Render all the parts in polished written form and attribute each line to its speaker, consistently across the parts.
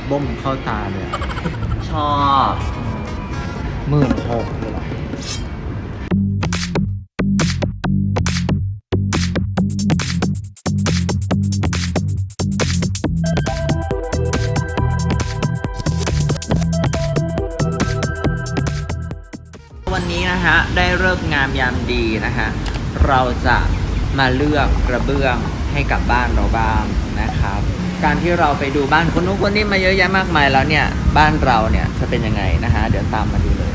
Speaker 1: บ้มเข้าตาเลย
Speaker 2: ชอบ
Speaker 1: 16,000เลยเหรอวันนี้นะฮะได้เลิกษ์งามยามดีนะฮะเราจะมาเลือกกระเบื้องให้กับบ้านเราบ้างนะครับ การที่เราไปดูบ้านคนนู้นคนนี้มาเยอะแยะมากมายแล้วเนี่ยบ้านเราเนี่ยจะเป็นยังไงนะฮะเดี๋ยวตามมาดูเลย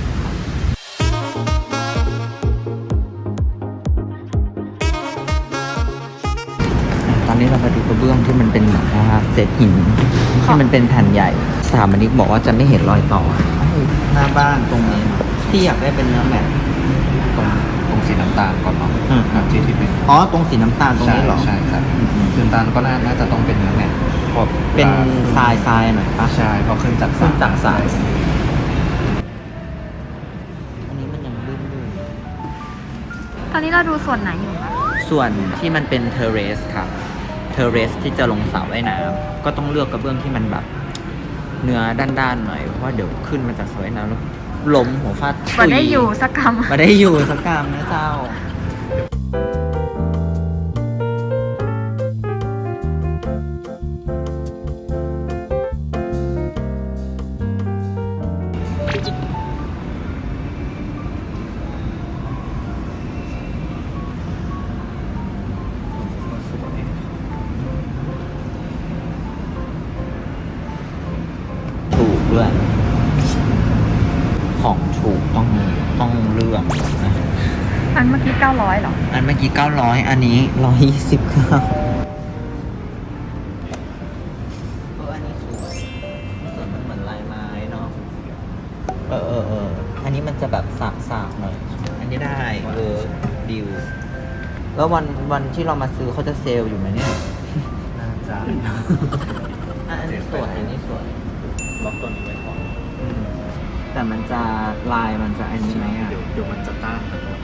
Speaker 1: ตอนนี้เรามาดูกระเบื้องที่มันเป็นแบบว่าเศษหินที่มันเป็นแผ่นใหญ่สถาปนิกบอกว่าจะไม่เห็นรอยต่อหน้าบ้านตรงนี้ที่อยากได้เป็นเนื้อแมท
Speaker 2: ตรงสีน้ำตาลก่อนเนาะที่เป็น
Speaker 1: อ๋อตรงสีน้ำตาลตรงนี้เหรอ
Speaker 2: ใช่ครับสีน้ำตาลก็น่าจะต้องเป็นเนื้อแมท
Speaker 1: เป็นทรายหน่อยปะ
Speaker 2: ใช่พอขึ้นจาก
Speaker 1: ทรายอันนี้มันยังลื่น
Speaker 3: ตอนนี้เราดูส่วนไหนอยู่คะ
Speaker 1: ส่วนที่มันเป็นเทเรสครับเทเรสที่จะลงสระว่ายน้ำก็ต้องเลือกกระเบื้องที่มันแบบเนื้อด้านๆหน่อยเพราะว่าเดี๋ยวขึ้นมาจากสระว่ายน้ำแล้วล้มหัวฟาด
Speaker 3: มาได้อยู่สักคำ
Speaker 1: มาได้อยู่สักคำนะเจ้าด้วยของถูกต้องเลือกนะ
Speaker 3: อันเมื่อกี้900หรอ
Speaker 1: อันเมื่อกี้900อันนี้129อันนี้สวยมันเหมือนลายไม้เนาะอันนี้มันจะแบบสากหน่อยอันนี้ได้ดิวแล้ววันที่เรามาซื้อเขาจะเซลล์อยู่ไหมเนี่ย
Speaker 2: น่าจะ
Speaker 1: อันนี้สวย
Speaker 2: ล็อกตัวนี้ไว้ก่อน
Speaker 1: แต่มันจะลายมันจะอันนี้ไหมอ่ะ
Speaker 2: เดี๋ยวมันจะต้านกันหมด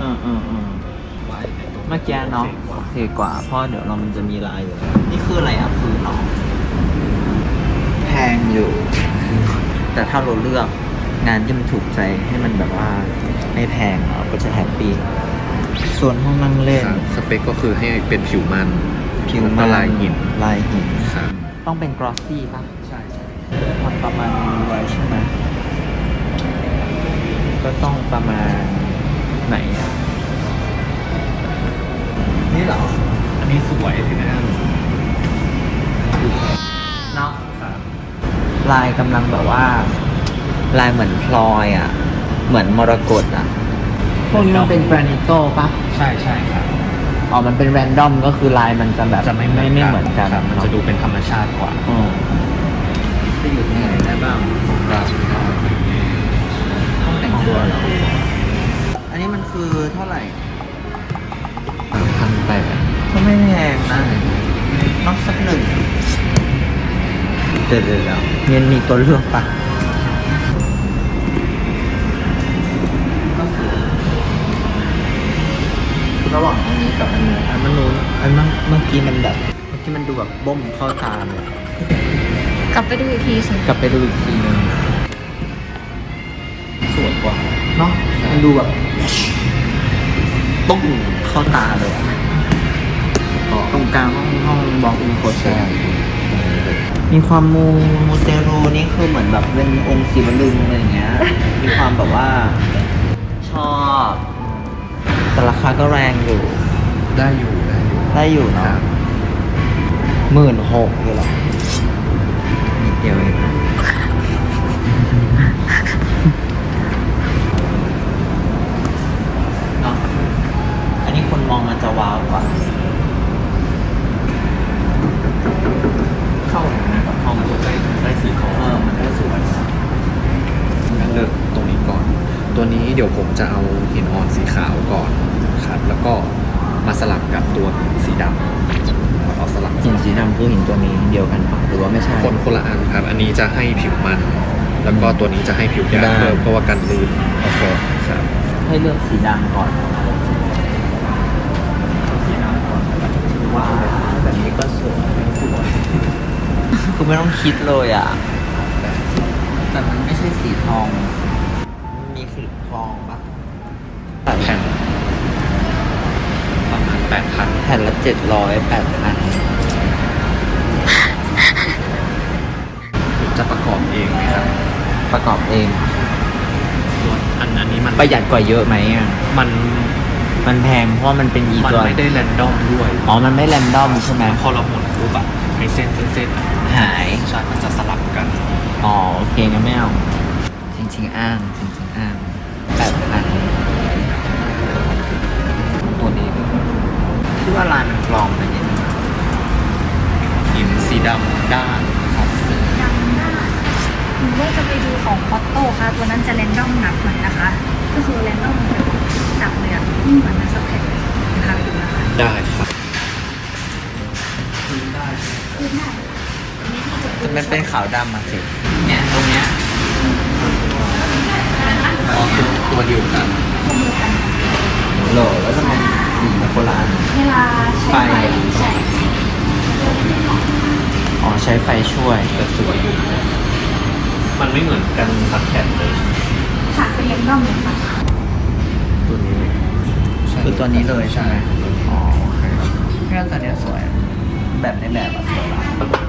Speaker 1: เมื่อกี้เนาะโอเคกว่าเพราะเดี๋ยวมันจะมีลายอยู่นี่คืออะไรอ่ะคือเนาะแพงอยู่แต่ถ้าเราเลือกงานที่มันถูกใจให้มันแบบว่าไม่แพงเราก็จะแฮปปี้ส่วนห้องนั่งเล่น
Speaker 2: สเปคก็คือให้เป็นผิวมันลายหิน
Speaker 1: ต้องเป็นกรอสซี่ป่ะใช่ทำประมาณไว้ใช่ไหมก็ต้องประมาณไหนอ่ะนี่เหรอ
Speaker 2: อันนี้สวยถึงนะ
Speaker 1: เนาะลายกำลังแบบว่าลายเหมือนพลอยอ่ะเหมือนมรกตอ่ะพวกนี้มันเป็นแกรนิโต้ป่ะ
Speaker 2: ใช่ครับ
Speaker 1: อ๋อมันเป็นแรนดอมก็คือลายมันจะแบบ
Speaker 2: จะไม่เหมือนกันมันจะดูเป็นธรรมชาติกว่า
Speaker 1: จะอยู่ที่ไหนได้บ้างห้องแต่งตัวเหรออันนี้มันคือเท่าไหร่
Speaker 2: 3,800
Speaker 1: ก็ไม่แพงนะนอกสักหนึ่งเดี๋ยวเงินมีตัวเลือกปะระหว่างอันนี้กับอันนู้นอันนู้นเมื่อกี้มันแบบมันดูแบบบ้มเข้าตาเลย
Speaker 3: กลับไปดูอีกทีสิ
Speaker 1: กลับไปดูอีกทีนึงสวยกว่าเนาะมันดูแบบตุ้งเข้าตาเลยตรงกลางห้องบล็อกอินโคเชอร์มีความมูเตรูนี่คือเหมือนแบบเป็นองค์ศิวลึงอะไรอย่างเงี้ยมีความแบบว่าชอบแต่ราคาก็แรงอยู่
Speaker 2: ได้อยู่เนาะ
Speaker 1: 16,000เลยเหรอนิดเดียวเองเนาะอันนี้คนมองมันจะว้าวกว่า
Speaker 2: เข้านะกับห้องมันจะได้สีของ
Speaker 1: มันได้สวย
Speaker 2: งั้นเลือกตรงนี้ก่อนตัวนี้เดี๋ยวผมจะเอาหินอ่อนสีขาวก่อนครับแล้วก็มาสลับกับตัวสีดำเอาสลับ
Speaker 1: หินสีดำคือหินตัวนี้เดียวกันปะหรือว่าไม่ใช่
Speaker 2: คนละอันครับอันนี้จะให้ผิวมันแล้วก็ตัวนี้จะให้ผิวหยาบเพิ่มเพราะว่ากันลื่น
Speaker 1: โอเค
Speaker 2: ครับ
Speaker 1: ให้เลือกสีดำก่อนว้าวแบบนี้ก็สวยคือไม่ต้องคิดเลยอ่ะแต่มันไม่ใช่สีทอง มีขลุ่ทองปะ
Speaker 2: แผ่นประมาณ8,000
Speaker 1: แผ่นละ700 8,000
Speaker 2: จะประกอบเองไหมครับ
Speaker 1: ประกอบเอง
Speaker 2: ส่วนอันนี้มัน
Speaker 1: ประหยัดกว่าเยอะไหมอ่ะ
Speaker 2: มัน
Speaker 1: มันแพงเพราะว่ามันเป็นอี
Speaker 2: มัน
Speaker 1: ตัว
Speaker 2: ไม่ได้แรนดอมด้วย
Speaker 1: อ๋อ มันไม่แรนดอมใช่ไหม
Speaker 2: พอเราหมุนปุ๊บอะไอเส้นอะ
Speaker 1: หาย
Speaker 2: ใช่มันจะสลับกัน
Speaker 1: อ๋อ โอเคงั้นไม่เอา จริง ๆ อ้าง จริง ๆ อ้าง8,000
Speaker 2: ตัวนี้
Speaker 1: คิดว่าลายมันปลอมไปนิดนึง
Speaker 2: หินสีดำด้าน
Speaker 3: สีดำหน้าหนูว่าจะไปดูของคอตโต้ค่ะ ตัวนั้นจะแรนดอมหนักหน่อยนะคะ ก็คือแรนดอมแบบหนักเลยอะไม่เหมือนนั้นสักแผ่นเลยพาไปดูนะคะ
Speaker 2: ได้ครับ
Speaker 3: คือได้อันนี้ที่จะ
Speaker 1: แต่มันเป็นขาวดำมาสิ เนี่ย ตรงเนี้ย
Speaker 2: อ๋อตัวเดียวกัน
Speaker 3: ข้อมือกัน
Speaker 1: โหลแล้วทำไมสีมันโบราณ
Speaker 3: เวลาใช้ไฟใช่
Speaker 1: อ๋อ ใช้ไฟช่วย
Speaker 2: แต่สวยอยู่มันไม่เหมือนกันสักแผ่นเลย
Speaker 3: ค่ะเป็นแรนดอมเลยค่ะ
Speaker 2: ตัวนี้
Speaker 1: คือตัวนี้เลยใช่ไหมอ๋อ โอเคแค่ตัวเนี้ยสวย แบบในแบบอะสวยละ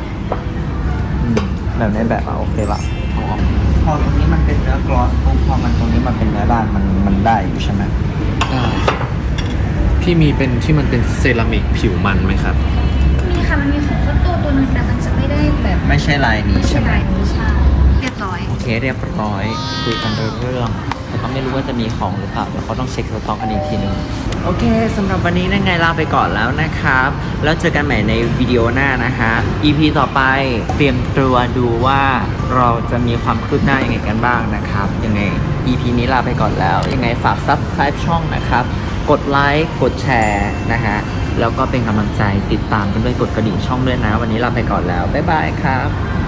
Speaker 1: แบบในแบบอะโอเคละพอตรงนี้มันเป็นเนื้อกลอสปุ๊บพอมันตรงนี้มันเป็นเนื้อด้านมันได้อยู่ใช่ไหม
Speaker 2: ได้พี่มีเป็นที่มันเป็นเซรามิกผิวมันไหมครับ
Speaker 3: มีค่ะ มันมีของคอตโต้ตัวนึงแต่มันจะไม่ได้แบบ
Speaker 1: ไม่ใช่ลายนี้ใช่ไหม
Speaker 3: ลายนี้ใช่เรียบร้อย
Speaker 1: โอเคเรียบร้อยคุยกันโดยเรื่องแต่ก็ไม่รู้ว่าจะมีของหรือเปล่าเดี๋ยวเขาต้องเช็คสต็อกกันอีกทีนึงโอเคสำหรับวันนี้นั่นไงลาไปก่อนแล้วนะครับ แล้วเจอกันใหม่ในวิดีโอหน้านะฮะ EP ต่อไปเตรียมตัวดูว่าเราจะมีความคืบหน้ายังไงกันบ้างนะครับยังไง EP นี้ลาไปก่อนแล้วยังไงฝาก Subscribe ช่องนะครับกดไลค์กดแชร์นะฮะแล้วก็เป็นกำลังใจติดตามกันด้วยกดกระดิ่งช่องด้วยนะ วันนี้ลาไปก่อนแล้วบ๊ายบายครับ